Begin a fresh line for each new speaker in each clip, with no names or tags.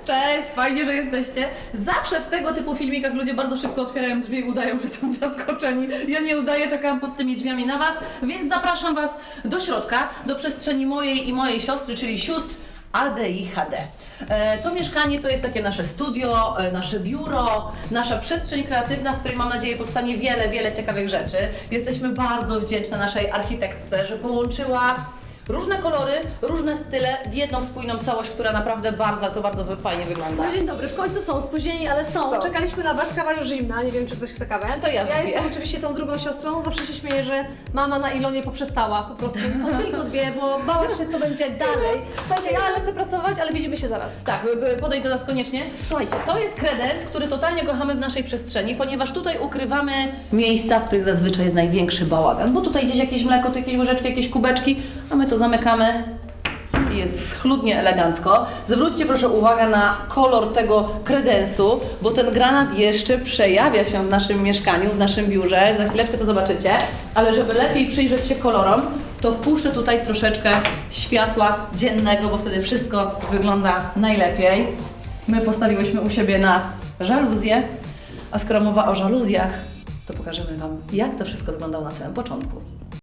Cześć, fajnie, że jesteście. Zawsze w tego typu filmikach ludzie bardzo szybko otwierają drzwi i udają, że są zaskoczeni. Ja nie udaję, czekałam pod tymi drzwiami na Was, więc zapraszam Was do środka, do przestrzeni mojej i mojej siostry, czyli sióstr ADIHD. To mieszkanie to jest takie nasze studio, nasze biuro, nasza przestrzeń kreatywna, w której mam nadzieję powstanie wiele ciekawych rzeczy. Jesteśmy bardzo wdzięczne naszej architektce, że połączyła różne kolory, różne style w jedną spójną całość, która naprawdę bardzo fajnie wygląda.
No dzień dobry, w końcu są spóźnieni, ale są. Czekaliśmy na Was, kawa już zimna, nie wiem czy ktoś chce kawę.
To ja wypiję.
jestem oczywiście tą drugą siostrą, zawsze się śmieję, że mama na Ilonie poprzestała, po prostu są tylko dwie, bo bała się co będzie dalej. Słuchajcie, ja lecę pracować, ale widzimy się zaraz.
Tak, podejdź do nas koniecznie. Słuchajcie, to jest kredens, który totalnie kochamy w naszej przestrzeni, ponieważ tutaj ukrywamy miejsca, w których zazwyczaj jest największy bałagan, bo tutaj gdzieś jakieś mleko, tu jakieś łyżeczki, jakieś kubeczki, a my to zamykamy i jest schludnie, elegancko. Zwróćcie proszę uwagę na kolor tego kredensu, bo ten granat jeszcze przejawia się w naszym mieszkaniu, w naszym biurze. Za chwileczkę to zobaczycie, ale żeby lepiej przyjrzeć się kolorom, to wpuszczę tutaj troszeczkę światła dziennego, bo wtedy wszystko wygląda najlepiej. My postawiłyśmy u siebie na żaluzję, a skoro mowa o żaluzjach, to pokażemy Wam, jak to wszystko wyglądało na samym początku.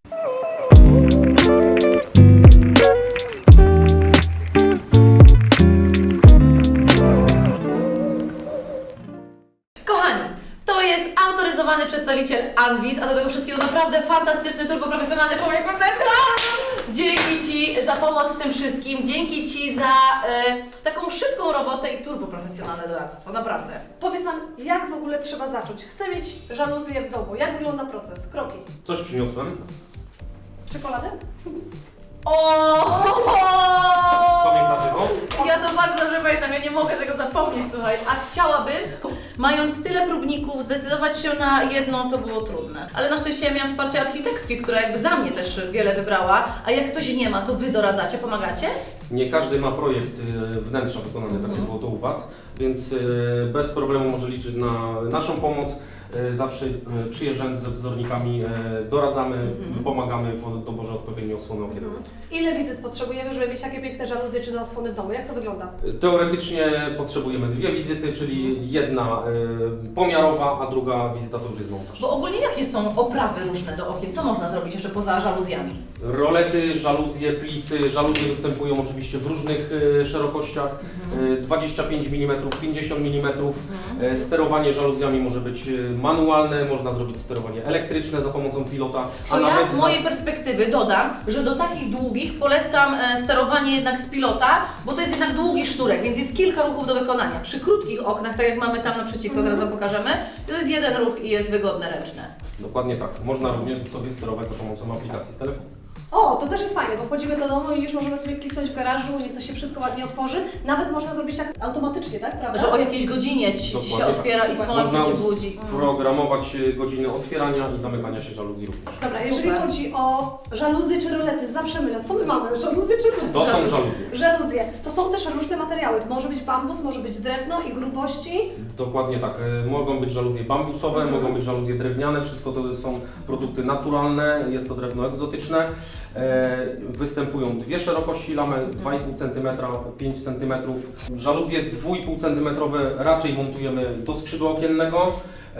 Kochani, to jest autoryzowany przedstawiciel Anwis, a do tego wszystkiego naprawdę fantastyczny, turboprofesjonalny człowiek. Dzięki Ci za pomoc w tym wszystkim, dzięki Ci za taką szybką robotę i turboprofesjonalne doradztwo, naprawdę.
Powiedz nam, jak w ogóle trzeba zacząć? Chcę mieć żaluzję w domu, jak wygląda proces? Kroki.
Coś przyniosłem.
Czekoladę?
Pamiętacie to?
Ja to bardzo dobrze pamiętam, ja nie mogę tego zapomnieć, słuchaj. A chciałabym, mając tyle próbników, zdecydować się na jedną, to było trudne. Ale na szczęście ja miałam wsparcie architektki, która jakby za mnie też wiele wybrała. A jak ktoś nie ma, to Wy doradzacie, pomagacie?
Nie każdy ma projekt wnętrza wykonany, tak jak było to u Was, więc bez problemu może liczyć na naszą pomoc. Zawsze przyjeżdżając ze wzornikami doradzamy, pomagamy w doborze odpowiedniej osłony okiennej.
Ile wizyt potrzebujemy, żeby mieć takie piękne żaluzje czy zasłony w domu? Jak to wygląda?
Teoretycznie potrzebujemy 2 wizyty, czyli jedna pomiarowa, a druga wizyta to już jest montaż.
Bo ogólnie jakie są oprawy różne do okien? Co można zrobić jeszcze poza żaluzjami?
Rolety, żaluzje, plisy. Żaluzje występują oczywiście w różnych szerokościach. 25 mm, 50 mm. Sterowanie żaluzjami może być manualne, można zrobić sterowanie elektryczne za pomocą pilota.
To ja z mojej perspektywy dodam, że do takich długich polecam sterowanie jednak z pilota, bo to jest jednak długi sznurek, więc jest kilka ruchów do wykonania. Przy krótkich oknach, tak jak mamy tam naprzeciwko, zaraz Wam pokażemy, to jest jeden ruch i jest wygodne ręczne.
Dokładnie tak. Można również sobie sterować za pomocą aplikacji z telefonu.
O, to też jest fajne, bo wchodzimy do domu i już możemy sobie kliknąć w garażu, niech to się wszystko ładnie otworzy. Nawet można zrobić tak automatycznie, tak? Prawda?
Że o jakiejś godzinie ci się
Dokładnie
otwiera
tak.
i słońce
Można
Cię budzi.
programować godziny otwierania i zamykania się żaluzji również.
Dobra,
Super.
jeżeli chodzi o żaluzje czy rolety, zawsze mylę. Co my mamy? Żaluzje czy rolety?
To są żaluzje.
Żaluzje. To są też różne materiały. To może być bambus, może być drewno i grubości.
Dokładnie tak. Mogą być żaluzje bambusowe, mogą być żaluzje drewniane. Wszystko to są produkty naturalne, jest to drewno egzotyczne. Występują 2 szerokości lamel, 2,5 cm, 5 cm. Żaluzje 2,5 cm raczej montujemy do skrzydła okiennego.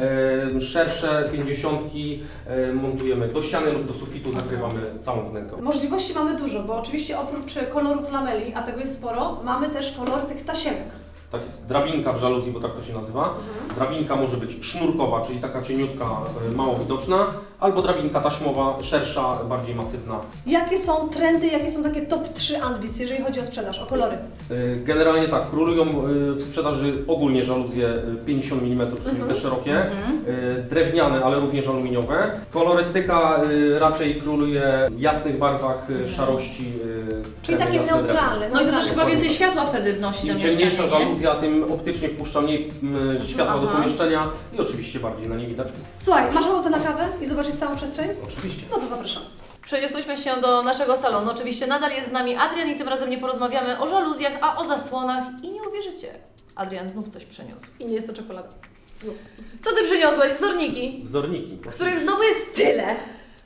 Szersze 50 montujemy do ściany lub do sufitu, zakrywamy całą wnękę.
Możliwości mamy dużo, bo oczywiście oprócz kolorów lameli, a tego jest sporo, mamy też kolor tych tasiemek.
Tak jest. Drabinka w żaluzji, bo tak to się nazywa. Drabinka może być sznurkowa, czyli taka cieniutka, mało widoczna, albo drabinka taśmowa, szersza, bardziej masywna.
Jakie są trendy, jakie są takie top 3 Anwis, jeżeli chodzi o sprzedaż, o kolory?
Generalnie tak, królują w sprzedaży ogólnie żaluzje 50 mm, czyli te szerokie, drewniane, ale również aluminiowe. Kolorystyka raczej króluje w jasnych barwach, szarości.
Czyli
kremy,
takie
jasne drewno.
neutralne.
No i to też chyba
Dokładnie
więcej
tak.
światła wtedy wnosi do
Im
mieszkania,
ciemniejsza
nie?
żaluzja, tym optycznie wpuszcza mniej światła do
Aha.
pomieszczenia i oczywiście bardziej na nie widać.
Słuchaj, masz ochotę na kawę i zobaczyć całą przestrzeń?
Oczywiście.
No to zapraszam.
Przeniosłyśmy się do naszego salonu. Oczywiście nadal jest z nami Adrian i tym razem nie porozmawiamy o żaluzjach, a o zasłonach i nie uwierzycie. Adrian znów coś przyniósł.
I nie jest to czekolada.
Co Ty przyniosłeś? Wzorniki,
Wzorniki.
których znowu jest tyle.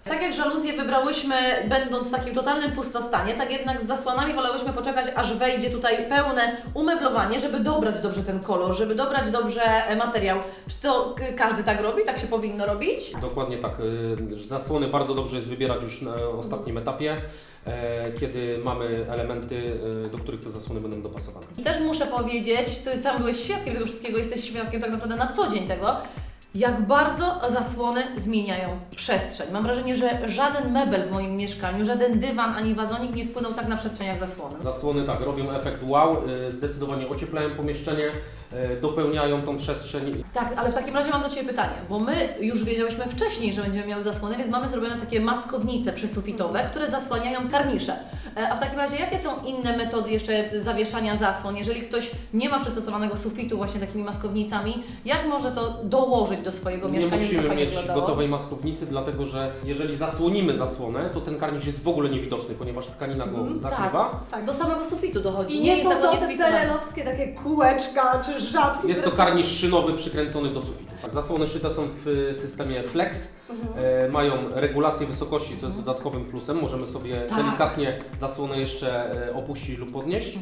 Tak jak żaluzje wybrałyśmy, będąc w takim totalnym pustostanie, tak jednak z zasłonami wolałyśmy poczekać, aż wejdzie tutaj pełne umeblowanie, żeby dobrać dobrze ten kolor, żeby dobrać dobrze materiał. Czy to każdy tak robi? Tak się powinno robić?
Dokładnie tak. Zasłony bardzo dobrze jest wybierać już na ostatnim etapie, kiedy mamy elementy, do których te zasłony będą dopasowane.
I też muszę powiedzieć, ty sam byłeś świadkiem tego wszystkiego, jesteś świadkiem tak naprawdę na co dzień tego, jak bardzo zasłony zmieniają przestrzeń. Mam wrażenie, że żaden mebel w moim mieszkaniu, żaden dywan ani wazonik nie wpłynął tak na przestrzeń jak zasłony.
Zasłony tak, robią efekt wow, zdecydowanie ocieplają pomieszczenie, dopełniają tą przestrzeń.
Tak, ale w takim razie mam do Ciebie pytanie, bo my już wiedziałyśmy wcześniej, że będziemy miały zasłony, więc mamy zrobione takie maskownice przysufitowe, które zasłaniają karnisze. A w takim razie jakie są inne metody jeszcze zawieszania zasłon? Jeżeli ktoś nie ma przystosowanego sufitu właśnie takimi maskownicami, jak może to dołożyć do swojego
Nie
mieszkania, żeby to
musimy
fajnie
mieć
wyglądało?
gotowej maskownicy, dlatego że jeżeli zasłonimy zasłonę, to ten karnisz jest w ogóle niewidoczny, ponieważ tkanina go zakrywa.
Tak, do samego sufitu dochodzi.
I nie
jest
są
tego
to
nic
te
wpisane.
PRL-owskie takie kółeczka czy żabki.
Jest to
które są-
karnisz szynowy przykręcony do sufitu. Zasłony szyte są w systemie Flex, mają regulację wysokości, co jest dodatkowym plusem. Możemy sobie
Tak.
delikatnie zasłonę jeszcze opuścić lub podnieść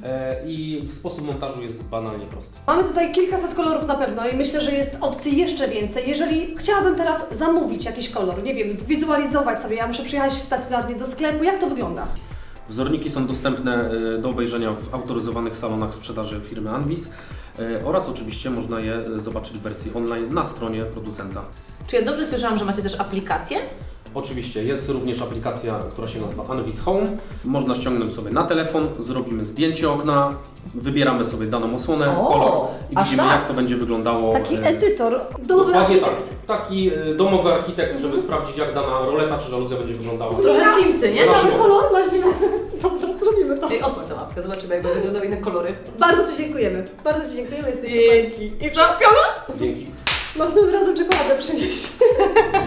i sposób montażu jest banalnie prosty.
Mamy tutaj kilkaset kolorów na pewno i myślę, że jest opcji jeszcze więcej. Jeżeli chciałabym teraz zamówić jakiś kolor, nie wiem, zwizualizować sobie, ja muszę przyjechać stacjonarnie do sklepu, jak to wygląda?
Wzorniki są dostępne do obejrzenia w autoryzowanych salonach sprzedaży firmy Anvis oraz oczywiście można je zobaczyć w wersji online na stronie producenta.
Czy ja dobrze słyszałam, że macie też aplikację?
Oczywiście jest również aplikacja, która się nazywa Anvis Home. Można ściągnąć sobie na telefon, zrobimy zdjęcie okna, wybieramy sobie daną osłonę,
O,
kolor i
aż
widzimy
tak?
jak to będzie wyglądało.
Taki edytor, domowy
Dokładnie tak.
architekt.
Taki domowy architekt, żeby sprawdzić jak dana roleta czy żaluzja będzie wyglądała.
Trochę Simsy, nie?
Na
Mamy
siłę.
kolor na zimę. Dobra, zrobimy to.
Ej, odpal tę łapkę, zobaczymy jak będą wyglądały inne kolory.
Bardzo Ci dziękujemy. Bardzo Ci dziękujemy, jesteś super.
I co, piona?
Dzięki.
Następnym razem czekoladę przynieść.